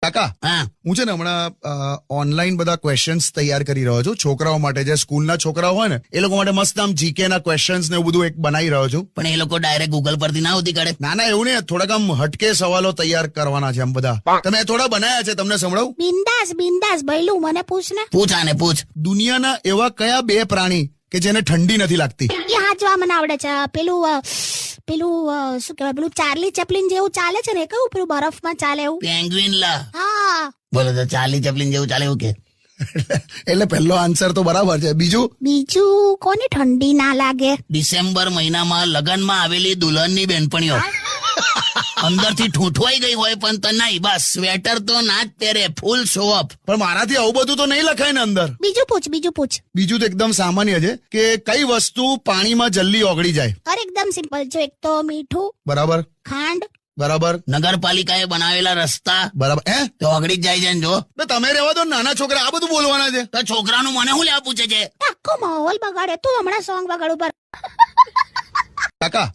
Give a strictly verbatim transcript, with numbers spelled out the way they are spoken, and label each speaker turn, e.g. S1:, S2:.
S1: કાકા
S2: હા
S1: હું છે ને હમણાં ઓનલાઈન બધા ક્વેશ્ચન્સ તૈયાર કરી રહ્યો છું છોકરાઓ માટે, જે સ્કૂલના છોકરાઓ હોય ને એ લોકો માટે મસ્ત આમ જીકે ના ક્વેશ્ચન્સ ને એવું બધું એક બનાવી રહ્યો છું.
S2: પણ એ લોકો ડાયરેક્ટ ગૂગલ પરથી ના હોતી કાઢે.
S1: ના ના એવું નહીં, થોડાક આમ હટકે સવાલો તૈયાર કરવાના છે આમ બધા. તમે થોડા બનાયા છે, તમને સંભળાવું?
S3: બિંદાસ બિંદાસ ભઈલું મને પૂછ ને.
S2: પૂછ આને પૂછ.
S1: દુનિયાના એવા કયા બે પ્રાણી કે જેને ઠંડી નથી લાગતી?
S3: એ હાચવા મને આવડે છે. પેલું અ, પેલું અ, શું કહેવાય, પેલું ચાર્લી ચેપ્લિન જેવું ચાલે છે ને, એ કયું પેલું બરફમાં ચાલે એવું?
S2: પેંગ્વિન લા.
S3: હા.
S2: બોલો તો ચાર્લી ચેપ્લિન જેવું ચાલે એવું કે?
S1: એટલે પહેલો આન્સર તો બરાબર છે. બીજું
S3: બીજું કોને ઠંડી ના લાગે?
S2: ડિસેમ્બર મહિનામાં લગનમાં આવેલી દુલ્હનની બેનપણીઓ અંદરથી ઠૂંઠવાઈ ગઈ હોય પણ તો નહીં, બસ સ્વેટર તો ના જ પહેરે, ફૂલ શો ઓફ.
S1: પણ મારાથી આવું બધું તો નહીં લખાય ને અંદર.
S3: બીજું પૂછ બીજું પૂછ.
S1: બીજું તો એકદમ સામાન્ય છે કે કઈ વસ્તુ પાણીમાં જલ્દી ઓગળી જાય?
S3: અરે એકદમ સિમ્પલ છે. એક તો મીઠું,
S1: બરાબર
S3: ખાંડ.
S1: બરાબર
S2: નગરપાલિકાએ બનાવેલા રસ્તા
S1: બરાબર. હે
S2: તો ઓગળી જ જાય છે ને. જો
S1: તો તમે રહેવા દો, નાના છોકરા આ બધું બોલવાના છે.
S2: તો છોકરાનું મને શું લેવા પૂછે છે?
S3: આખો માહોલ બગાડે. તું હમણાં સોંગ બગાડ ઉપર.
S1: કાકા